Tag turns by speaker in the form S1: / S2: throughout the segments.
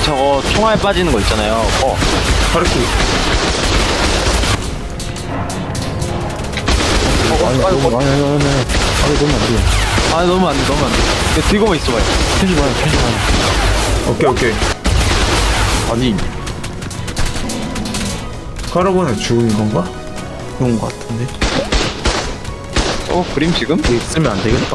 S1: 저거 총알 빠지는 거 있잖아요.
S2: 파르키.
S3: 아니 너무 안 돼.
S1: 아 너무 안 돼. 이거 들고만 있어봐요.
S3: 펴지 마요.
S2: 오케이.
S3: 아니
S2: 카르본에 죽은 건가?
S3: 그런 거 같은데.
S1: 그림 지금?
S3: 이게 쓰면 안 되겠다.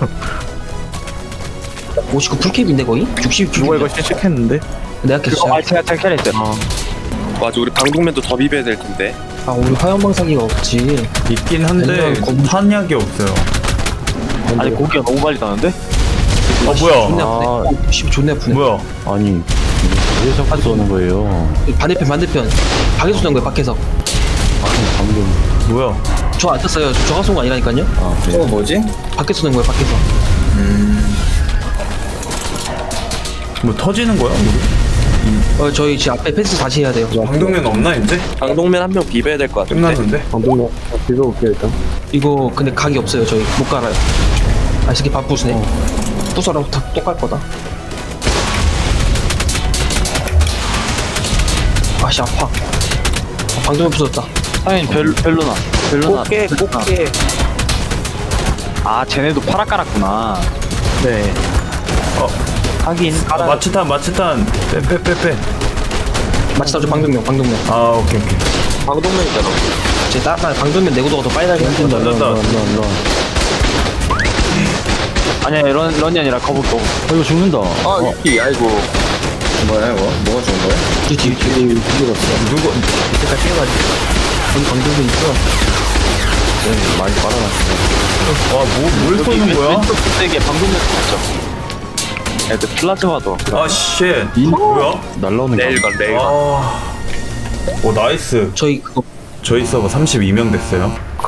S4: 59 풀캡인데 거의? 60
S3: 누가 이거 실책했는데?
S4: 내가
S1: 그거
S4: 깼어.
S1: 제가 캐릭했어요.
S5: 맞아, 우리 방독면도 더 비벼야 될 텐데.
S4: 아 우리 화염방사기가 없지.
S2: 있긴 한데
S4: 맨날
S2: 탄약이 없어요.
S1: 아니 고기가 너무 빨리 나는데?
S2: 뭐야?
S4: 존나 아프네. 60 존나 아프네.
S2: 뭐야?
S3: 아니 왜 자꾸 쏘는 거예요?
S4: 반대편. 밖에서 쏘는 거야 밖에서.
S3: 아니 방금.
S2: 뭐야?
S4: 저 안 떴어요. 저가 쏜 거 아니라니까요?
S3: 아 그래.
S6: 뭐지?
S4: 밖에서 쏘는 거야 밖에서.
S2: 뭐 터지는 거야? 우리?
S4: 저희 지금 앞에 펜스 다시 해야 돼요.
S2: 방독면 없나 이제?
S5: 방독면 한 명 비벼야 될 것 같은데.
S2: 끝났는데?
S3: 방금 비벼볼게 일단.
S4: 이거 근데 각이 없어요. 저희 못 갈아요. 아 이 새끼 바쁘시네. 부서라고 똑갈 거다. 아씨 아파. 방금 부쉈다.
S1: 사장님 벨로나.
S5: 꽃게.
S1: 아 쟤네도 파라 깔았구나.
S3: 네.
S1: 하긴 깔아.
S2: 마취탄. 빼.
S4: 마치 나저 방독면.
S2: 아 오케이.
S5: 방독면이잖아.
S4: 제 따라 방독면 내구도가 더 빨리 달긴 한데.
S2: 날랐다.
S1: 아니야 런이 아니라 거북.
S3: 이거 죽는다.
S6: 이 아이고. 뭐야 이거? 뭐가 좋은 거야?
S4: 뒤
S2: 누구?
S4: 이때까지 뛰어가지고. 여기 방독면 있어.
S3: 많이 빨아놨어.
S2: 뭘 쏘는 거야?
S1: 왼쪽 끝에게 방독면 있죠. 애들 플라즈마도.
S2: 아 쉣. 뭐야?
S3: 날라오는 거.
S5: 레일건.
S2: 오 나이스.
S4: 저희 그거
S2: 저희 서버 32명 됐어요.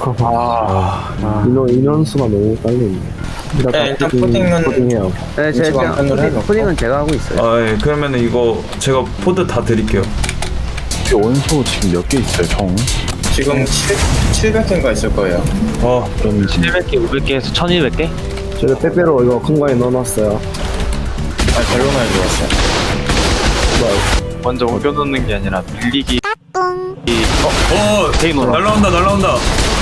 S3: 인원수가 너무 빨리.
S6: 일단 코딩은
S3: 네,
S6: 제가
S3: 코딩은 제가 하고 있어요.
S2: 아 예. 그러면은 이거 제가 포드 다 드릴게요.
S3: 원소 지금 몇 개 있어요, 총?
S6: 지금 700개인가 있을 거예요.
S3: 그럼
S1: 700개, 500개에서 1200개?
S3: 제가 빼빼로 이거 큰 거에 넣어놨어요.
S6: 아 벨로나에 들어왔어요.
S1: 먼저 옮겨놓는 게 아니라 빌리기.
S2: 오 날라온다.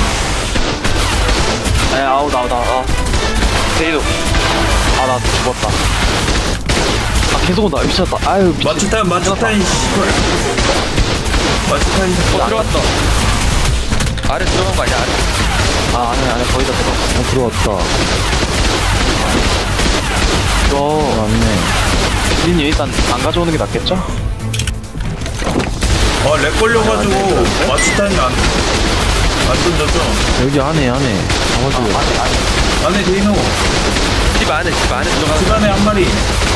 S1: 아우 나와. 데이도. 나 죽었다. 계속 온다. 미쳤다. 아유 미쳤다.
S2: 마취탄 씨발. 마취탄.
S5: 들어왔다. 아래 들어간 거 아니야? 아래.
S1: 안에 거의 다 들어갔어.
S3: 들어왔다.
S1: 이거
S3: 맞네.
S1: 주인이 일단 안 가져오는 게 낫겠죠?
S2: 렉 걸려가지고 마취탄이 안 던졌죠?
S3: 여기 안에. 잡아줘요.
S2: 안에 데이노.
S5: 집 안에 들어가.
S2: 집안에 한 마리.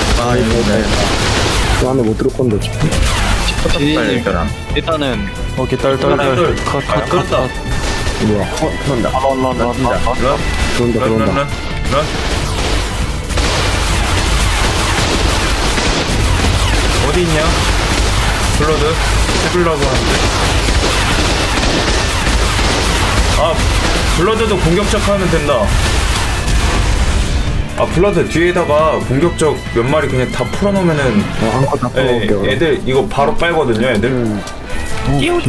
S3: 그 안에 못 들을 건데.
S1: 주인이 일단은
S3: 오케이, 딸.
S2: 끌었다.
S3: 뭐야? 들어온다. 들어온다.
S2: 런. 어디 있냐? 블러드. 해블라고 하는데. 블러드도 공격적 하면 된다. 블러드 뒤에다가 공격적 몇 마리 그냥 다 풀어놓으면은
S3: 한컷 다 풀어볼게요.
S2: 애들 이거 바로 빨거든요 애들.
S5: 띠용.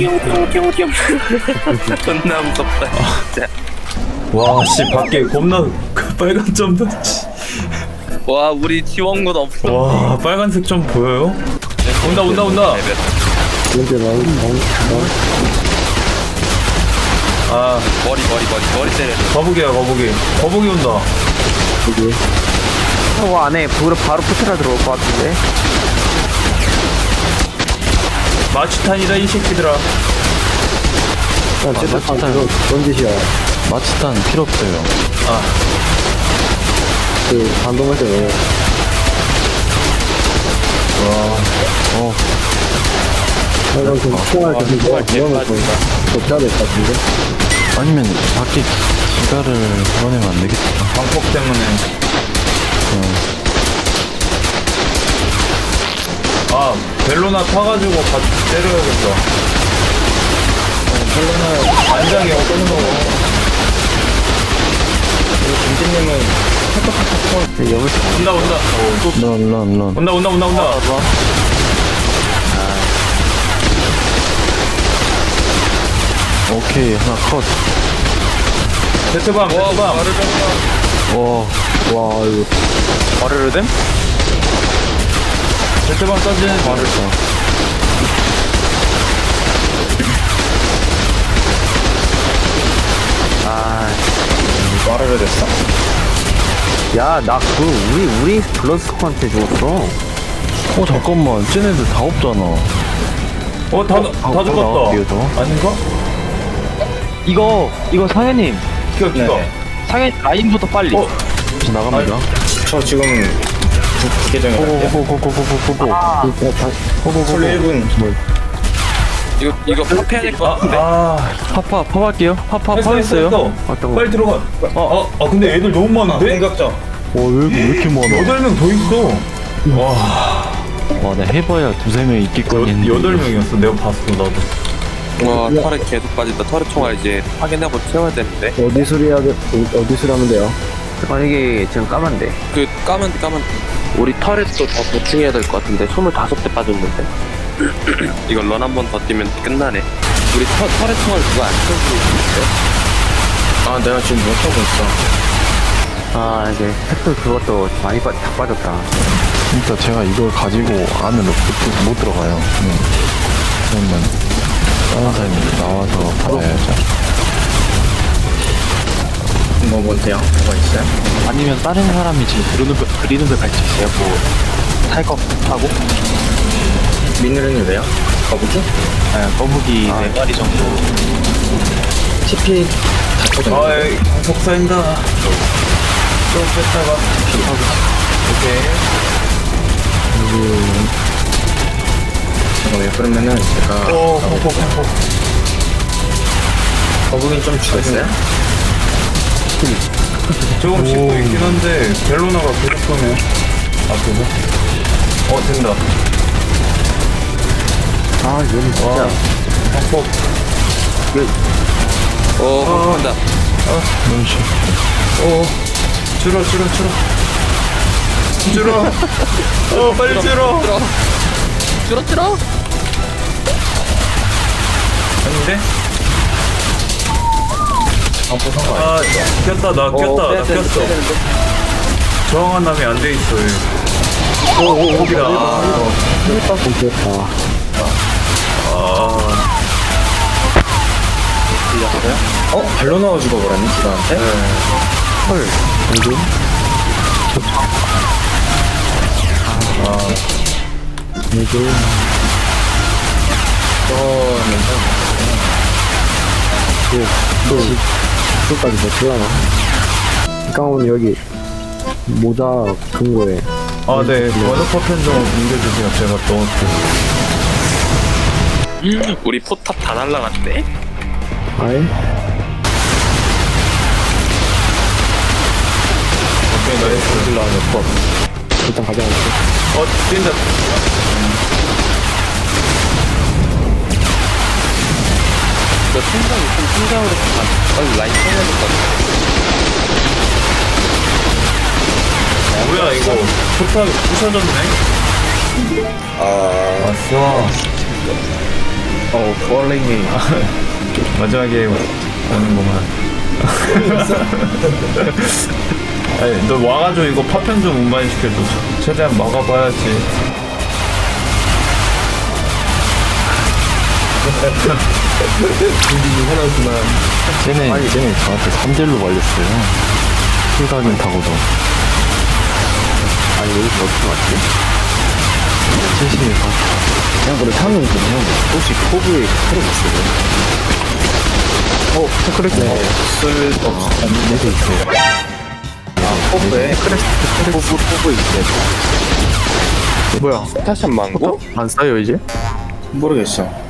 S5: 존나 무섭다. 진짜.
S2: 와씨 밖에 겁나 빨간 점도.
S5: 와, 우리 지원군 없어.
S2: 와 빨간색 점 보여요? 온다.
S3: 이렇게
S5: 머리 때려.
S2: 거북이 온다.
S7: 저거 안에 바로 포트라 들어올 것 같은데.
S2: 마취탄이다 이 새끼들아.
S3: 마취탄 그런 짓이야. 마취탄 필요 없어요. 그 반동할 때 왜? 이건 좀 총알 계속 넣어놓고 덮쳐야 될 것 같은데? 아니면 밖에 기가를 걸어내면 안 되겠다.
S2: 방폭 때문에. 벨로나 타가지고 같이 때려야겠다. 벨로나 안장이 어떤 거?
S6: 김진님은
S3: 여기서
S2: 온다.
S3: 런.
S2: 온다.
S3: 오케이, 하나 컷.
S2: 세트밤 세트밤.
S3: 와, 이거.
S1: 바르르뎀?
S2: 세트밤 써지는
S6: 빠르게 됐어.
S7: 야, 나 우리 블러스코한테 죽었어.
S3: 잠깐만. 쟤네들 다 없잖아.
S2: 다
S3: 나갈게요,
S2: 죽었다.
S3: 저.
S2: 아닌가?
S4: 이거 상현님.
S2: 기가.
S4: 상현 라인부터 빨리.
S3: 이제 나갑니다.
S6: 저 지금 부계정에 갈게요.
S3: 고고고고고고고고.
S6: 솔 1분.
S5: 이거 파패해야 될 것 같은데.
S3: 파파 할게요. 파파 했어요.
S7: 어떤 거?
S2: 빨리 들어가. 근데 애들 너무 많은데?
S6: 공격적.
S3: 왜 이렇게 많아?
S2: 8명 더 있어.
S3: 와, 나 해봐야 2-3명 있겠거니 했는데.
S2: 8명이었어. 내가 봤어, 나도.
S5: 와 터렛 계속 빠진다. 터렛 총알 이제 확인하고 채워야 되는데.
S7: 어디 수리 하면 돼요? 이게 지금 까만데.
S5: 그 까만
S1: 우리 터렛도 더 보충해야 될 것 같은데 25대 빠졌는데.
S5: 이거 런 한 번 더 뛰면 끝나네. 우리 터렛 총알 그거 안 채워주고 있는데.
S6: 아, 내가 지금 못 하고 있어.
S7: 이제 팩tor 그것도 많이 다 빠졌다.
S3: 진짜 제가 이걸 가지고 안으로 못 들어가요. 그러면 다른 사람이 나와서 받아야죠.
S6: 뭐세요? 뭐가 있어요?
S1: 아니면 다른 사람이 지금 그리는 걸 같이 있어요. 탈 거 타고
S6: 미늘은 왜요? 거북이?
S1: 거북이 4마리 정도.
S6: TP 다 터졌네.
S2: 에이, 속사인다. 좀 뺐다가. 오케이.
S6: 잠깐만요. 그러면은 제가 거북이 좀 죽였어요?
S2: 조금 씹고 있긴 한데, 벨로나가 계속 쏘네. 앞에서. 된다.
S7: 얘는 진짜.
S2: 확폭.
S5: 한다.
S3: 눈치.
S2: 줄어. 빨리 줄어.
S5: 줄어.
S2: 아닌데? 꼈다, 나 꼈어. 저항한 남이 안 돼 있어, 얘. 거기다.
S6: 발로 나와 죽어버렸네, 기가한테?
S7: 끝까지 버틸라나? 깡은 여기 모자 근거에
S2: 네. 워너퍼 펜 좀 옮겨주세요. 제가 넣을게요.
S5: 우리 포탑 다 날라갔네.
S7: 아예?
S2: 오케이, 나이스.
S7: 일단 가져갈게.
S2: 뛴다.
S5: 너 생각이 좀 생각으로 빨리 라인 쳐야 될 것 같아.
S2: 뭐야, 이거. 포탑이 부셔졌네? 왔어.
S6: 폴링이.
S2: 마지막에 오는구만. 아니, 너 와가지고 이거 파편 좀 운반이 시켜줘. 최대한 막아봐야지.
S3: 쟤네 저한테 3대1로 말렸어요. 킬각인 타고도.
S7: 여기서 어떻게 왔지?
S3: 최신의 각.
S7: 그냥 그래 상은 그냥 혹시 포브에 크레스 있어요?
S3: 얘도 있어요.
S7: 포브에 크레스 포브 있어요.
S5: 스타샷 망고?
S7: 안 써요 이제?
S6: 모르겠어.